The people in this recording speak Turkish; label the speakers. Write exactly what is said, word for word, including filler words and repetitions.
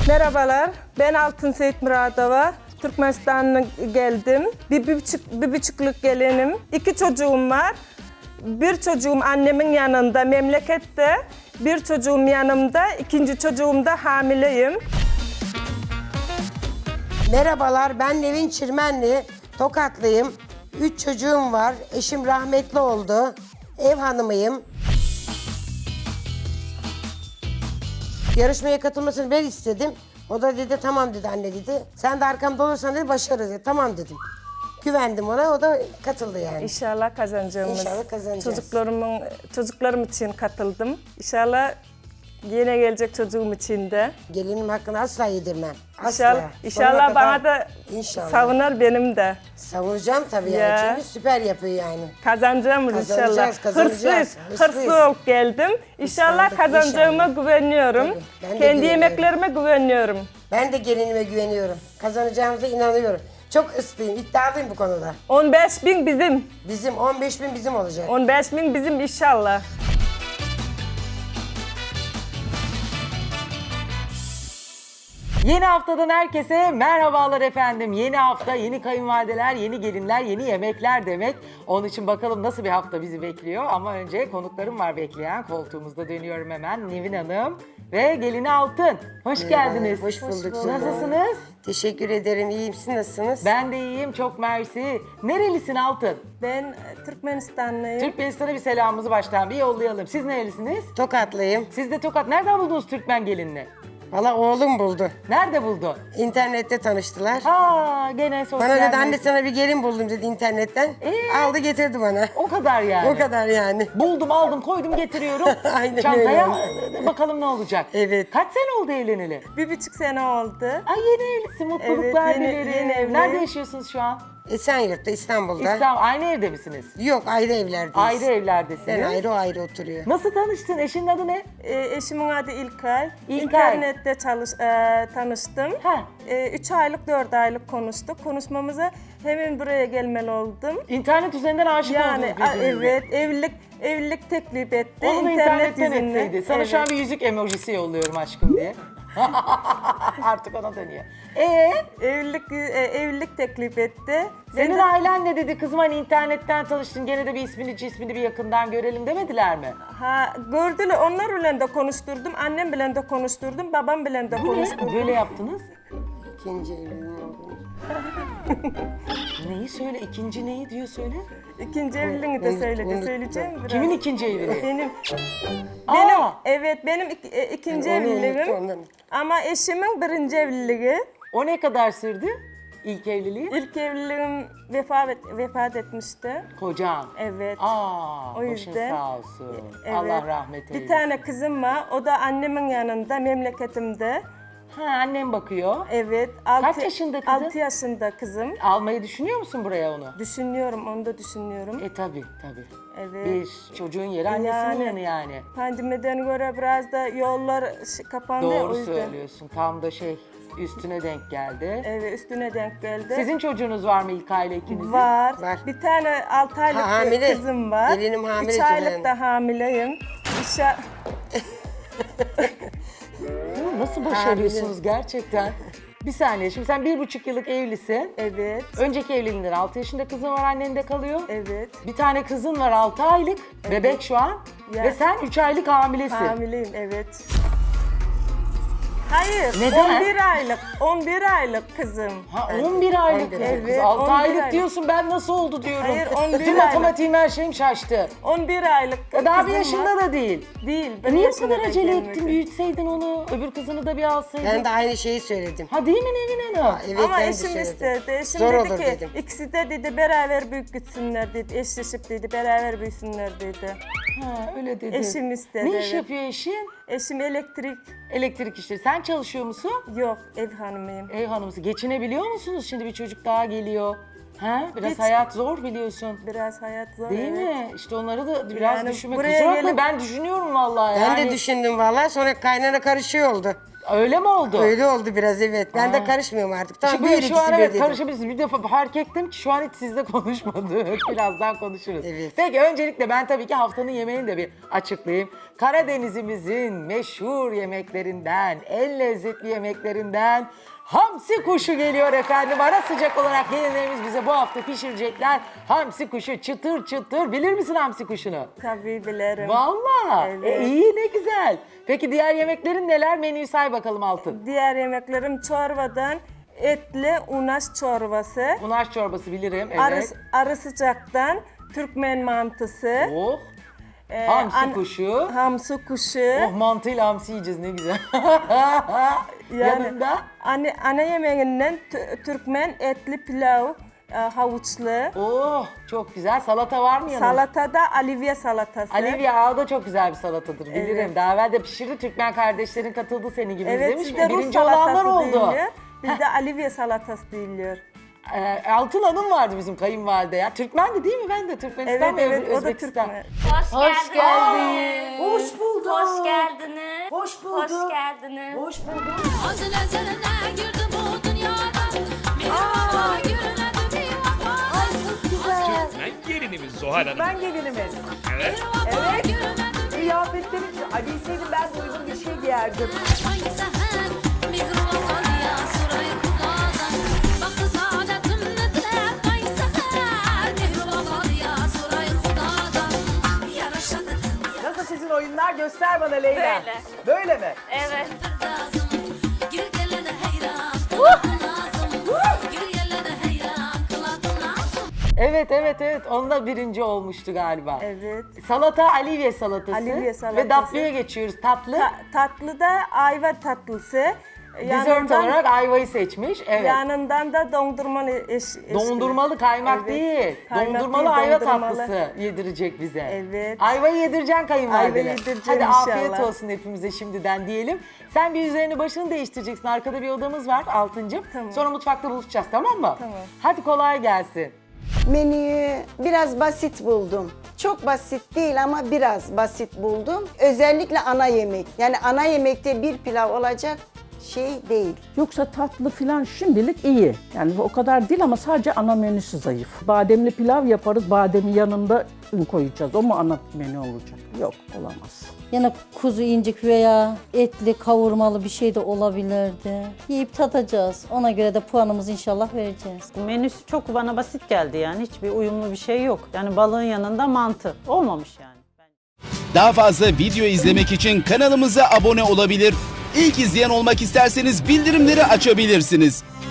Speaker 1: Merhabalar, ben Altın Seyit Muradova. Türkmenistan'a geldim. Bir, bir, buçuk, bir buçukluk gelinim. İki çocuğum var. Bir çocuğum annemin yanında, memlekette. Bir çocuğum yanımda, ikinci çocuğum da hamileyim.
Speaker 2: Merhabalar, ben Nevin Çirmenli, Tokatlıyım. Üç çocuğum var, eşim rahmetli oldu. Ev hanımıyım. Yarışmaya katılmasını ben istedim. O da dedi tamam dedi anne dedi. Sen de arkamda olursan dedi başarırız dedi. Tamam dedim. Güvendim ona, o da katıldı yani.
Speaker 1: İnşallah kazanacağımız.
Speaker 2: İnşallah kazanacağız.
Speaker 1: Çocuklarımın, çocuklarım için katıldım. İnşallah yine gelecek çocuğum için de.
Speaker 2: Gelinim hakkını asla yedirmem. Asla.
Speaker 1: İnşallah,
Speaker 2: Sonuna
Speaker 1: inşallah
Speaker 2: kadar-
Speaker 1: bana da
Speaker 2: İnşallah.
Speaker 1: savunar benim de.
Speaker 2: Savunacağım tabii yani.
Speaker 1: Ya.
Speaker 2: Çünkü süper yapıyor yani.
Speaker 1: Kazanacağımız inşallah.
Speaker 2: Kazanacağız, kazanacağız.
Speaker 1: Hırslıyız,
Speaker 2: Hırslıyız.
Speaker 1: hırslı olup geldim. İnşallah
Speaker 2: Islandık,
Speaker 1: kazanacağıma
Speaker 2: inşallah.
Speaker 1: güveniyorum.
Speaker 2: Tabii, ben de
Speaker 1: Kendi
Speaker 2: güveniyorum.
Speaker 1: yemeklerime güveniyorum.
Speaker 2: Ben de gelinime güveniyorum. Kazanacağımıza inanıyorum. Çok ıslıyım, iddialıyım bu konuda.
Speaker 1: on beş bin bizim.
Speaker 2: Bizim on beş bin bizim olacak.
Speaker 1: on beş bin bizim inşallah.
Speaker 3: Yeni haftadan herkese merhabalar efendim. Yeni hafta, yeni kayınvalideler, yeni gelinler, yeni yemekler demek. Onun için bakalım nasıl bir hafta bizi bekliyor. Ama önce konuklarım var bekleyen. Koltuğumuzda dönüyorum hemen. Nevin Hanım ve gelini Altın. Hoş geldiniz.
Speaker 2: Hoş bulduk. Zülfü Hanım.
Speaker 3: Nasılsınız?
Speaker 2: Teşekkür ederim. İyiyim. Siz nasılsınız?
Speaker 3: Ben de iyiyim. Çok mersi. Nerelisin Altın?
Speaker 1: Ben e, Türkmenistanlıyım.
Speaker 3: Türkmenistan'a bir selamımızı baştan bir yollayalım. Siz nerelisiniz?
Speaker 2: Tokatlıyım.
Speaker 3: Siz de Tokat. Nereden buldunuz Türkmen gelinini?
Speaker 2: Valla oğlum buldu.
Speaker 3: Nerede buldun?
Speaker 2: İnternette tanıştılar.
Speaker 3: Aa, gene sosyal
Speaker 2: Bana dedi
Speaker 3: medya.
Speaker 2: anne sana bir gelin buldum dedi internetten.
Speaker 3: Ee?
Speaker 2: Aldı getirdi bana.
Speaker 3: O kadar yani.
Speaker 2: O kadar yani.
Speaker 3: Buldum, aldım, koydum, getiriyorum.
Speaker 2: Aynen
Speaker 3: Çantaya
Speaker 2: öyle.
Speaker 3: bakalım ne olacak.
Speaker 2: Evet.
Speaker 3: Kaç sene oldu evleneli?
Speaker 1: Bir buçuk sene oldu.
Speaker 3: Ay yeni evlisin, mutluluklar
Speaker 1: Evet, yeni-
Speaker 3: dilerim.
Speaker 1: yeni evliyim.
Speaker 3: Nerede yaşıyorsunuz şu an?
Speaker 2: Esenyurt'ta İstanbul'da.
Speaker 3: İslam, aynı evde misiniz?
Speaker 2: Yok ayrı evlerdeyiz.
Speaker 3: Ayrı evlerdesiniz.
Speaker 2: Ben ayrı o ayrı oturuyor.
Speaker 3: Nasıl tanıştın? Eşinin adı ne?
Speaker 1: E, eşimin adı İlkay.
Speaker 3: İlkay.
Speaker 1: İnternette çalış, e, tanıştım.
Speaker 3: Ha.
Speaker 1: E, üç aylık, dört aylık konuştuk. Konuşmamıza hemen buraya gelmeli oldum.
Speaker 3: İnternet üzerinden aşık
Speaker 1: Yani
Speaker 3: oldunuz
Speaker 1: a,
Speaker 3: birbirinize.
Speaker 1: evet, evlilik evlilik teklif etti.
Speaker 3: Onu da
Speaker 1: İnternet
Speaker 3: internetten
Speaker 1: yüzünden.
Speaker 3: etseydi. Sana şu an bir yüzük emojisi yolluyorum aşkım diye. Artık ona dönüyor. Ee,
Speaker 1: Evlilik, e, evlilik teklif etti. Ben
Speaker 3: senin
Speaker 1: de-
Speaker 3: ailen ne dedi? Kızım hani internetten tanıştın, gene de bir ismini cismini bir yakından görelim demediler mi?
Speaker 1: Ha, gördüler, onlar ile de konuşturdum, annem bile de konuşturdum, babam bile de
Speaker 3: Bu ne?
Speaker 1: konuşturdum.
Speaker 3: Böyle yaptınız.
Speaker 2: İkinci evliliğim oldu.
Speaker 3: Neyi söyle? İkinci neyi diyor söyle.
Speaker 1: İkinci evliliğini de
Speaker 2: Unut-
Speaker 1: söyledi,
Speaker 2: unuttum.
Speaker 1: söyleyeceğim biraz.
Speaker 3: Kimin ikinci evliliği?
Speaker 1: Benim.
Speaker 3: Aa!
Speaker 1: Benim, evet benim ik- e, ikinci
Speaker 2: Onu unuttu,
Speaker 1: evliliğim.
Speaker 2: ondan.
Speaker 1: Ama eşimin birinci evliliği.
Speaker 3: O ne kadar sürdü? İlk evliliği?
Speaker 1: İlk evliliğim vefat, et- vefat etmişti.
Speaker 3: Kocan.
Speaker 1: Evet.
Speaker 3: Aa,
Speaker 1: O
Speaker 3: başın
Speaker 1: yüzden-
Speaker 3: sağ olsun.
Speaker 1: Evet.
Speaker 3: Allah rahmet eylesin.
Speaker 1: Bir tane kızım var, o da annemin yanında, memleketimde.
Speaker 3: Ha, annem bakıyor.
Speaker 1: Evet.
Speaker 3: Kaç yaşında kızın?
Speaker 1: altı yaşında kızım.
Speaker 3: Almayı düşünüyor musun buraya onu?
Speaker 1: Düşünüyorum, onu da düşünüyorum.
Speaker 3: E tabi tabi.
Speaker 1: Evet.
Speaker 3: Bir çocuğun yeri annesinin
Speaker 1: Yani-
Speaker 3: yanı yani.
Speaker 1: Pandemiden göre biraz da yollar ş- kapandı ya, o
Speaker 3: Doğru
Speaker 1: yüzden.
Speaker 3: söylüyorsun. Tam da şey üstüne denk geldi.
Speaker 1: Evet, üstüne denk geldi.
Speaker 3: Sizin çocuğunuz var mı ilk aile ikinizin?
Speaker 1: Var.
Speaker 2: Var.
Speaker 1: Bir tane altı aylık
Speaker 2: Ha, hamile.
Speaker 1: kızım var.
Speaker 2: Gelinim hamile
Speaker 1: üç aylık
Speaker 2: yani.
Speaker 1: da hamileyim. İşe...
Speaker 3: Hı, Nasıl başarıyorsunuz gerçekten? Bir saniye, şimdi sen bir buçuk yıllık evlisin.
Speaker 1: Evet,
Speaker 3: Önceki evliliğinden altı yaşında kızın var, annen de kalıyor.
Speaker 1: evet.
Speaker 3: Bir tane kızın var altı aylık, bebek şu an.
Speaker 1: Ya.
Speaker 3: Ve sen üç aylık hamilesin.
Speaker 1: Hamileyim, evet. Hayır,
Speaker 3: Neden?
Speaker 1: on bir aylık, on bir aylık kızım.
Speaker 3: Ha on bir aylık
Speaker 2: on bir
Speaker 3: kız.
Speaker 1: aylık.
Speaker 3: Kız
Speaker 1: Evet,
Speaker 3: altı
Speaker 1: on bir
Speaker 3: aylık
Speaker 1: aylık.
Speaker 3: diyorsun, ben nasıl oldu diyorum.
Speaker 1: Hayır, on bir
Speaker 3: Bütün
Speaker 1: aylık.
Speaker 3: matematiğim her şeyim şaştı.
Speaker 1: on bir aylık
Speaker 3: E daha bir
Speaker 1: kızım
Speaker 3: yaşında
Speaker 1: var.
Speaker 3: da değil.
Speaker 1: Değil.
Speaker 3: E
Speaker 1: bir
Speaker 3: niye bu
Speaker 1: yaşına
Speaker 3: kadar
Speaker 1: da
Speaker 3: acele
Speaker 1: gelmedi.
Speaker 3: ettin, büyütseydin onu, öbür kızını da bir alsaydın.
Speaker 2: Ben de aynı şeyi söyledim.
Speaker 3: Ha değil mi Nevin Hanım?
Speaker 2: Evet,
Speaker 1: Ama
Speaker 2: ben de
Speaker 1: eşim
Speaker 2: söyledim.
Speaker 1: istedi. Eşim
Speaker 2: Zor
Speaker 1: dedi
Speaker 2: olur
Speaker 1: ki
Speaker 2: dedim.
Speaker 1: ikisi de dedi beraber büyük gitsinler dedi. Eşleşip dedi beraber büyüsünler dedi.
Speaker 3: Ha öyle dedi.
Speaker 1: Eşim istedi,
Speaker 3: Ne iş
Speaker 1: evet.
Speaker 3: yapıyor eşin?
Speaker 1: Eşim elektrik
Speaker 3: Elektrik işleri. Sen çalışıyor musun?
Speaker 1: yok, ev hanımıyım.
Speaker 3: Ev hanımısı. Geçinebiliyor musunuz? Şimdi bir çocuk daha geliyor. Ha? Biraz
Speaker 1: Hiç.
Speaker 3: hayat zor biliyorsun.
Speaker 1: Biraz hayat zor.
Speaker 3: Değil
Speaker 1: evet.
Speaker 3: mi? İşte onları da biraz
Speaker 1: Yani
Speaker 3: düşünmek.
Speaker 1: buraya
Speaker 3: Kusura bakma
Speaker 1: gelip-
Speaker 3: ben düşünüyorum vallahi.
Speaker 2: Ben
Speaker 3: yani.
Speaker 2: de düşündüm vallahi, sonra kaynana karışıyor oldu.
Speaker 3: Öyle mi oldu?
Speaker 2: Öyle oldu biraz, evet. Ben
Speaker 3: Aa.
Speaker 2: de karışmıyorum artık. Tamam,
Speaker 3: Şimdi
Speaker 2: büyür
Speaker 3: şu an
Speaker 2: ikisi bir
Speaker 3: evet
Speaker 2: dedim.
Speaker 3: karışabilirsiniz. Bir defa fark ettim ki şu an hiç sizle konuşmadık. Birazdan konuşuruz.
Speaker 2: Evet.
Speaker 3: Peki öncelikle ben tabii ki haftanın yemeğini de bir açıklayayım. Karadenizimizin meşhur yemeklerinden, en lezzetli yemeklerinden hamsi kuşu geliyor efendim. Ara sıcak olarak gelinlerimiz bize bu hafta pişirecekler. Hamsi kuşu çıtır çıtır. Bilir misin hamsi kuşunu?
Speaker 1: Tabii bilirim.
Speaker 3: Vallahi.
Speaker 1: Evet.
Speaker 3: E, iyi ne güzel. Peki diğer yemeklerin neler? Menüyü say bakalım Altın.
Speaker 1: Diğer yemeklerim çorbadan etli unaş çorbası.
Speaker 3: Unaş çorbası bilirim. Evet.
Speaker 1: Arı, arı sıcaktan Türkmen mantısı.
Speaker 3: Oh.
Speaker 1: e,
Speaker 3: Hamsi
Speaker 1: an-
Speaker 3: kuşu.
Speaker 1: Hamsi kuşu.
Speaker 3: Oh mantıyla hamsi yiyeceğiz ne güzel.
Speaker 1: Yani
Speaker 3: Yanında?
Speaker 1: ana, ana yemeğinden tü- Türkmen etli pilav, e, havuçlu.
Speaker 3: Oh çok güzel. Salata var mı yanında?
Speaker 1: Salatada alivye salatası.
Speaker 3: Alivye ağı da çok güzel bir salatadır bilirim.
Speaker 1: Evet.
Speaker 3: Daha evvel de pişirdi. Türkmen kardeşlerin katıldı senin gibi
Speaker 1: Evet,
Speaker 3: demiş mi?
Speaker 1: sizde Rus
Speaker 3: Birinci olanlar
Speaker 1: salatası
Speaker 3: oldu.
Speaker 1: deniliyor. Bizde alivye salatası deniliyor.
Speaker 3: Ee, Altın Hanım vardı bizim kayınvalide ya. Türkmendi değil mi? Ben de Türkmenistan
Speaker 1: Evet
Speaker 3: ve
Speaker 1: evet o da
Speaker 3: Özbekistan.
Speaker 1: Türkmen.
Speaker 4: Hoş,
Speaker 3: Hoş geldin.
Speaker 2: Hoş bulduk.
Speaker 4: Hoş geldiniz.
Speaker 2: Hoş bulduk.
Speaker 4: Hoş geldiniz.
Speaker 2: Hoş bulduk.
Speaker 5: Azıl ezeline girdi bu dünyada. Mihraca görünen bir vefada.
Speaker 6: Ben gelinimiz Zuhal Hanım.
Speaker 3: Ben gelinimiz.
Speaker 6: Evet.
Speaker 5: Evet. Görünen
Speaker 3: Kıyafetlerim Ali bilseydim ben de uygun bir şey giyerdim.
Speaker 5: hangi seher mihraca ya surayı kudadan. Baktı saadetim nedir hangi seher mihraca ya surayı kudadan. Yaraşadı
Speaker 3: Nasıl sizin oyunlar? Göster bana Leyla.
Speaker 4: Böyle.
Speaker 3: Böyle mi?
Speaker 4: Evet.
Speaker 5: lazım. Gir gele de heyran kıladın lazım. Gir gele de heyran kıladın lazım.
Speaker 3: Evet evet evet. Onda birinci olmuştu galiba.
Speaker 1: Evet.
Speaker 3: Salata Alivye salatası.
Speaker 1: Alivye salatası.
Speaker 3: Ve tatlıya geçiyoruz. Tatlı.
Speaker 1: Ta- tatlı da ayva tatlısı.
Speaker 3: Dessert olarak ayvayı seçmiş. Evet.
Speaker 1: Yanından da dondurmalı eş, eşkili.
Speaker 3: Dondurmalı kaymak
Speaker 1: Evet.
Speaker 3: değil.
Speaker 1: Kaymak
Speaker 3: dondurmalı
Speaker 1: değil,
Speaker 3: ayva
Speaker 1: dondurmalı.
Speaker 3: tatlısı yedirecek bize.
Speaker 1: Evet.
Speaker 3: Ayvayı yedireceksin kayınvalidene.
Speaker 1: Ayva yedireceğim
Speaker 3: Hadi afiyet
Speaker 1: inşallah.
Speaker 3: olsun hepimize şimdiden diyelim. Sen bir üzerini başını değiştireceksin. Arkada bir odamız var Altıncığım.
Speaker 1: Tamam.
Speaker 3: Sonra mutfakta buluşacağız tamam mı?
Speaker 1: Tamam.
Speaker 3: Hadi kolay gelsin.
Speaker 7: Menüyü biraz basit buldum. Çok basit değil ama biraz basit buldum. Özellikle ana yemek. Yani ana yemekte bir pilav olacak şey değil.
Speaker 8: Yoksa tatlı filan şimdilik iyi. Yani o kadar değil ama sadece ana menüsü zayıf. Bademli pilav yaparız, bademin yanında un koyacağız. O mu ana menü olacak? Yok, olamaz.
Speaker 9: Yine kuzu incik veya etli kavurmalı bir şey de olabilirdi. Yiyip tadacağız. Ona göre de puanımızı inşallah vereceğiz.
Speaker 10: Menüsü çok bana basit geldi yani. Hiçbir uyumlu bir şey yok. Yani balığın yanında mantı. Olmamış yani.
Speaker 11: Daha fazla video izlemek için kanalımıza abone olabilir. İlk izleyen olmak isterseniz bildirimleri açabilirsiniz.